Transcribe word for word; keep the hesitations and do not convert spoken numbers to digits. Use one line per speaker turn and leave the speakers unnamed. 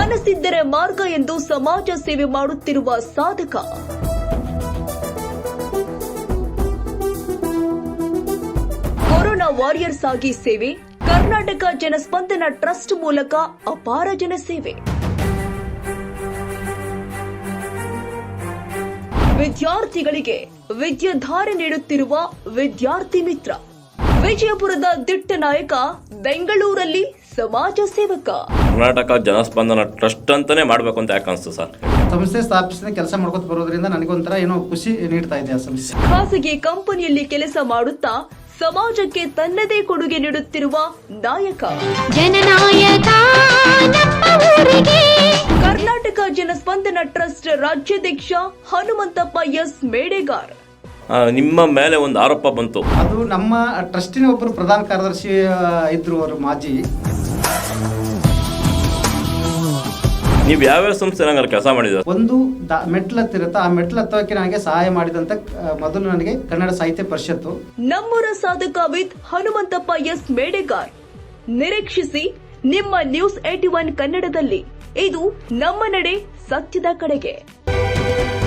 ಮನಸ್ಸಿದ್ದರೆ ಮಾರ್ಗ ಎಂದು ಸಮಾಜ ಸೇವೆ ಮಾಡುತ್ತಿರುವ ಸಾಧಕ. ಕೊರೋನಾ ವಾರಿಯರ್ಸ್ ಆಗಿ ಸೇವೆ. ಕರ್ನಾಟಕ ಜನಸ್ಪಂದನ ಟ್ರಸ್ಟ್ ಮೂಲಕ ಅಪಾರ ಜನಸೇವೆ. ವಿದ್ಯಾರ್ಥಿಗಳಿಗೆ ವಿದ್ಯಾಧಾರೆ ನೀಡುತ್ತಿರುವ ವಿದ್ಯಾರ್ಥಿ ಮಿತ್ರ. ವಿಜಯಪುರದ ದಿಟ್ಟ ನಾಯಕ, ಬೆಂಗಳೂರಲ್ಲಿ ಸಮಾಜ ಸೇವಕ.
ಕರ್ನಾಟಕ ಜನಸ್ಪಂದನ ಟ್ರಸ್ಟ್ ಅಂತಾನೆ ಮಾಡಬೇಕು ಅಂತ ಯಾಕೆ ಅನಿಸ್ತು ಸರ್?
ಸಂಸ್ಥೆ ಸ್ಥಾಪಿಸಿದ ಕೆಲಸ ಮಾಡ್ಕೊತ ಬರೋದ್ರಿಂದ ನನಗೊಂಥರ ಏನೋ ಖುಷಿ ನೀಡ್ತಾ ಇದೆ ಆ ಸಂಸ್ಥೆ.
ಖಾಸಗಿ ಕಂಪನಿಯಲ್ಲಿ ಕೆಲಸ ಮಾಡುತ್ತಾ ಸಮಾಜಕ್ಕೆ ತನ್ನದೇ ಕೊಡುಗೆ ನೀಡುತ್ತಿರುವ ನಾಯಕ,
ಜನನಾಯಕ
ಕರ್ನಾಟಕ ಜನಸ್ಪಂದನ ಟ್ರಸ್ಟ್ ರಾಜ್ಯಾಧ್ಯಕ್ಷ ಹನುಮಂತಪ್ಪ ಎಸ್ ಮೇಡೆಗಾರ್.
ನಿಮ್ಮ ಮೇಲೆ ಒಂದು ಆರೋಪ ಬಂತು.
ಅದು ನಮ್ಮ ಟ್ರಸ್ಟಿನ ಒಬ್ಬರು ಪ್ರಧಾನ ಕಾರ್ಯದರ್ಶಿ ಇದ್ರು, ಅವರು ಮಾಜಿ.
ನೀವು ಯಾವ್ಯಾವ ಸಂಸ್ಥೆ ನಂಗೆ ಕೆಲಸ ಮಾಡಿದ?
ಒಂದು ಮೆಟ್ಲು ಹತ್ತಿರತ್ತ, ಆ ಮೆಟ್ಲು ಹತ್ತೋಕೆ ನನಗೆ ಸಹಾಯ ಮಾಡಿದಂತ ಮೊದಲು ನನಗೆ ಕನ್ನಡ ಸಾಹಿತ್ಯ ಪರಿಷತ್ತು.
ನಮ್ಮೂರ ಸಾಧಕ ವಿತ್ ಹನುಮಂತಪ್ಪ ಎಸ್ ಮೇಡೆಗಾರ್. ನಿರೀಕ್ಷಿಸಿ ನಿಮ್ಮ ನ್ಯೂಸ್ ಏಟಿ ಒನ್ ಕನ್ನಡದಲ್ಲಿ. ಇದು ನಮ್ಮ ನಡೆ, ಸತ್ಯದ ಕಡೆಗೆ.